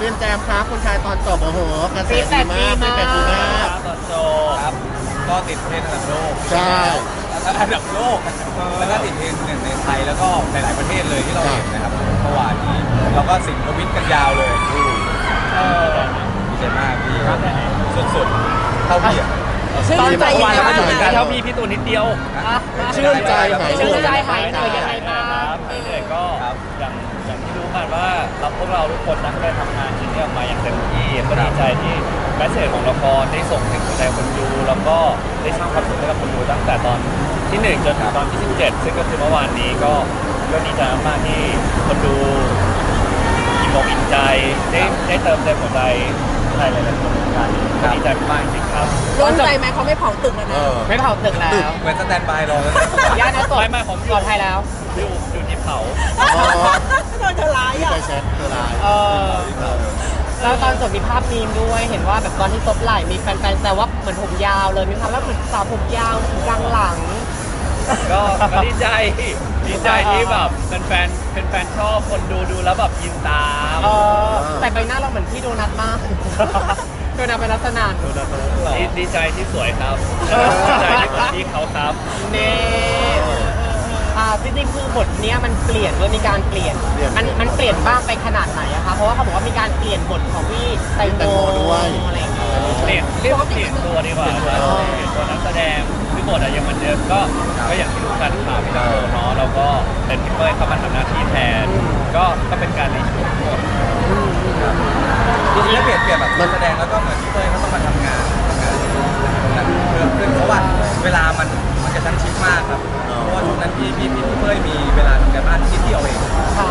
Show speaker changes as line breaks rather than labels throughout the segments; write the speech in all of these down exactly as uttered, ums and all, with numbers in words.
เป็นแจมครับคนชายตอนจบโอ้โหกระแสดีมากเป็นแบบดีมาก
ตอนโจครับก็ติดเทรนด์อันดับโลก
ใช่
อันดับโลกแล้วก็ติดเทรนด์หนึ่งในไทยแล้วก็หลายๆประเทศเลยที่เราเห็นนะครับเมื่อวานนี้เราก็สิงทวิตกันยาวเลยเออดีใจมากพี่สุดๆเท่าพี่อ่ะ
ชื่นใจยังไงบ้าง
การ
คะ
เท่าพี่พี่ตูนนิดเดียว
ชื่นใจหาย
ชื่นใจ
เหนื่
หาย
อย
เหนื่อยยังไงบ้าง
ไม่เหนื่อยก็อย่างอย่างที่รู้กันว่าเราพวกเราทุกคนนักได้ทำงานชิ้นนี้ออกมาอย่างเต็มที่ก็ดีใจที่แมสเซจของละครได้ส่งถึงหัวใจคนดูแล้วก็ได้สร้างความสุขให้กับคนดูตั้งแต่ตอนที่หนึ่งจนถึงตอนที่สิบเจ็ดซึ่งก็คือเมื่อวานนี้ก็ก็ดีใจมากๆที่คนดูอิ่มอกอิ่มใจได้ได้เติมเต็มหัวใจใครหลายๆคนในการนี้ก็ดีใจมากจริงๆครับ
โล่งใจไหมเขาไม่เผาตึกแล้ว
เอ
นะ
อ
ไม่เผาตึกแล้ว
เหมือนสแตนบายรอแล้ว
ย่านะสด
ไม่ไม่ผมอยู่
ปลอดภัยแล้ว
อยู่อยู่ที่เผา
อ๋อ
โดนเธอร้าย
ที่
อ่ะ
ไปแชทตัวลาย
เออแล้วตอนจบมีภาพมีมด้วยเห็นว่าแบบตอนที่ซบไหล่มีแฟนๆแต่ว่าเหมือนผมยาวเลยมีความแล้วเหมือนสาวผมยาวกลางหลัง
ก็ก็ดีใจดีใจที่แบบเป็นแฟนเป็นแฟนชอบคนดูดูแล้วแบบยินตาม
เออแต่ใบหน้าเราเหมือนพี่โดนัทมากโดนัทเป็นลักษณะ
ดีดีใจที่สวยครับดีใจที่คนที่เขาครับ
เน่อ่าจริงๆคือบทเนี้ยมันเปลี่ยนด้วยมีการเปลี่ยน มันมันเปลี่ยนบ้างไปขนาดไหนอะคะ เพราะว่าเขาบอกว่ามีการเปลี่ยนบทของพี่แตงโมอะไรอย่างเงี้ย
เปลี่ยนเรียกว่าเปลี่ยนตัวดีกว่าครับเปลี่ยนตัวนักแสดงคือบทอะยังเหมือนเดิมก็ก็อย่างที่รู้กันข่าวพี่ตะโกเนาะแล้วก็เป็นพี่เป้ยเข้ามาทำหน้าที่แทน ก็ก็เป็นการรีชูตบท
จริงๆแล้วเปลี่ยนเปลี่ยนแบบนักแสดงแล้วก็เหมือนพี่เต้ยเขาต้องมาทำงานทำงานตรงนั้นเพิ่มขึ้นเพราะว่าเวลามันมันกระชั้นชิดมากครับเพราะว่าช่วงนั้นพี่พี่พี่เต้ยมีเวลาทำการบ้านนิดเดียวเอง
ค่ะ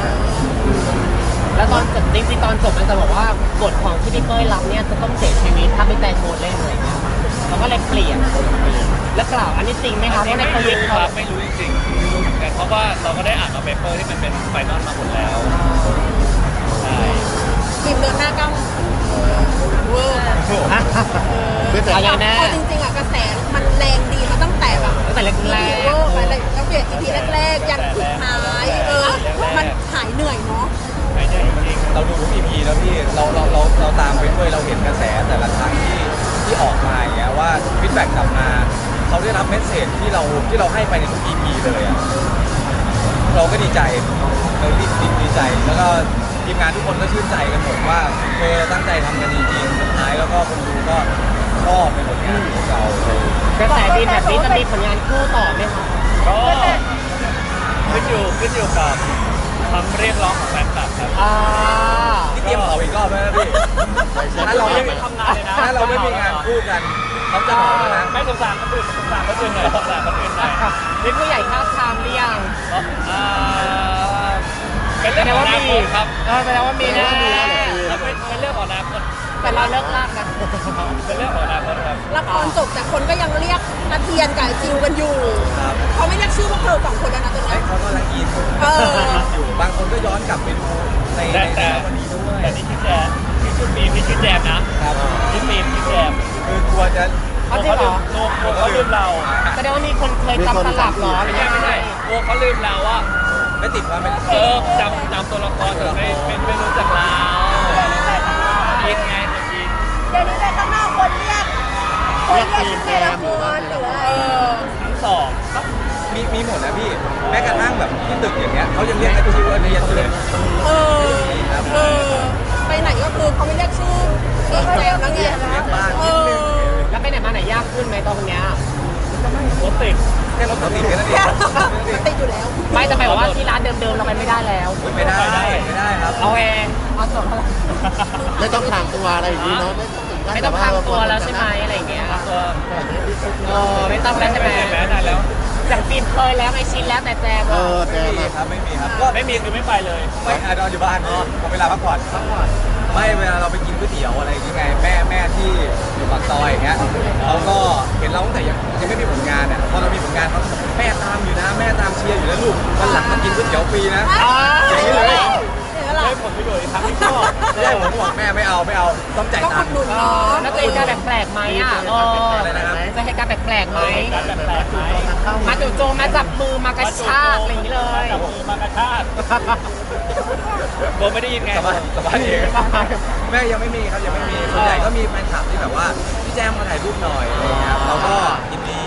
แล้วตอนจบจริงๆตอนจบมันจะบอกว่าบทของที่พี่เป้ยรับเนี่ยจะต้องเสียชีวิตถ้าไม่แตงโมเล่นอะไรเงี้ยเราก็เลยเปลี่ยน แล้วกล่าวอันนี้จริงไหมคะเพราะใน
ไม่
โปรเจก
รู้
ต์
ค
เขา
รับไม่รู้จริงๆไม่รู้เหมือนกันเพราะว่าเราก็ได้อ่านมาเปเปอร์ที่มันเป็นไฟนอลมาหมดแล้วใช่
ทีมเดินหน้าก้าวเวอร์
ไม่แต่
อะไรแน่
เอาจริงๆอะกระแสมันแรงดีมาตั้งแต่แบบ
ตั้งแต่แรก
โลกไปเลยตั้งแต่ อี พี แรกๆยันสุดท้ายเออมันหายเหนื่อยเนาะ
ไม่ใช่จริง
เราดูทุก อี พี แล้วพี่เราเราเราเราตามไปด้วยเราเห็นกระแสแต่ละครั้งที่ที่ออกมาอย่างเงี้ยว่าฟีดแบ็กกลับมาเขาได้รับเมสเซจที่เราที่เราให้ไปในทุก อี พี เลยอ่ะเราก็ดีใจเราดีดีดีใจแล้วก็ทีมงานทุกคนก็ชื่นใจกันหมดว่าเออตั้งใจทำกันจริงๆสุดท้ายแล้วก็คนดูก็ชอบในผลงานของเรา
กระแสดีแบบนี้จะมีผลงานคู่ต่อไหมคะ
ๆก็ขึ้นอยู่ขึ้นอยู่กับคำเรียกร้องของแฟนคลับครับ
อ่า
นี่เตรียมเผาอีกรอบแล้วนะพี่ถ้าเราไม่
ไม่ทำงานเลยนะ
ถ้าเราไม่มีงานคู่กันเขาจะเผาแล้วนะ
ไม่สงสารคนอื่นสงสารคนอื่นหน่อยสงสารคนอื่นหน่อย
มีผู้ใหญ่ท้าบทามหรือยัง
อ่าเป็นเรื่องของอนาคตครับ
เออแสดงว่ามีแน่
แล้วเป็นเป็นเรื่องของอนาคต
แต่เราเลิกลากนะ
เป็นเรื่องของอนาคตครับ
ละครจบแต่คนก็ยังเรียกนาเทียนกับไอ้จิวกันอยู่
ครับ
เขาไม่เรียกชื่อพวกเธอสองคนแล้วนะตอน
ไอ้
นี้
เขากำลังอิน
เออ
อยู่บางคนก็ย้อนกลับไปดูในใน
แต่แต่
วันนี้ด้วย
แต่นี่ชื่อแจมนี่ชื่อฟิล์มนี่ชื่อแจมนะครับ ชื่อฟิล์มชื่อแจม
คือกลัวจะ
เอาจริงเหรอ
โลกเขาลืมเรา
แสดงว่ามีคนเคยจำตลับเหรอ
ไม่ใช่ไม่ใช่โลกเขาลืมเราว่า
ไม่ติดความเป็น
เออจำจำตัวละครแต่ไม่ไม่ไม่รู้จักเราคิดไงคนคิด
เดี๋ยวนี้ในข้างนอกคนเรียกคนเรียกชื่อในละครหรืออะไร
ทั้งสอง
มีมีหมดนะพี่ แม้กระทั่งแบบที่ตึกอย่างเงี้ยเขายังเรียกไอ้ชิวเรียนเลย
เออเออไปไหนก็คือเขาไม่เรียกชื่อชื่อแจมแล้วไง
เรียกบ้าน
เอ
นิดนึง
อ
แล้วไปไหนมาไหนยากขึ้นไหมตอนเนี้ย
รถติด
แค่รถติดแค่นั้นเอง
ติดอยู่แล้ว
ไม่จะไปบอกว่าที่ร้านเดิมๆเราไปไม่ได้แล้ว
ไม่ได้ไม่ได้ครับ
เอาเองเอาสดเขา
ไม่ต้องทางตัวอะไรอย่างนี้เนาะไม่ต้องถึงขั้น
ไม่ต้องพังตัวแล้วใช่ไหมอะไรอย่างเงี้ย
ตัว
เออไม่ต้องแล้วใช่ไหม
ไม่แม้ได้แล้ว
จากฟิล์มเคยแล้วไอชินแล้วแต่แจม
เอ
อะ
อแจ
ไม่
ม
มี
อะ
ครับไม่มีครับก็
ไม่มีคือไม่ไปเลย
ไม่อานอนอยู่บ้านขอเวลาพักผ่อนพักผ่อนไม่เวลาเราไปกินก๋วยเตี๋ยวอะไรอย่างเงี้ยแม่แม่ที่อยู่ปากซอยอย่างเงี้ยเขาก็เห็นเราตั้งแต่ยังยังไม่มีผลงานเนี่ยพอเรามีผลงานเขาแม่ตามอยู่นะแม่ตามเชียร์อยู่แล้วลูกวันหลังมากินก๋วยเตี๋ยวฟรีนะ
อ๋อ
อย่างนี้เลย
เห็นไหมล่ะ
ได้ผลประโยชน์อีกครั้งที่ชอบ
ไม่ได้ผมบอกแม่ไม่เอาไม่เอาต้องจ่าย
ต้อง
ตั
อุ
ง
ด
ค์
หนุน
เอ
เนาะ
อแล้วจะเหตุการณ์แปลกๆไหมอ่ะเออ
อะไรนะครับ
จะเหตุการณ์แปลกๆไหม
การแปลกๆไหม
มาจู่โจมมาจับมือมากระชากอะไรอย่างนี้เลย
จับมือมากระชากโดนไม่ได้ยินไง
สบายสบายเองแม่ยังไม่มีครับยังไม่มีส่วนใหญ่ก็มีแฟนคลับที่แบบว่าพี่แจ้งมาถ่ายรูปหน่อยอะไรเงี้ยเราก็ยินดี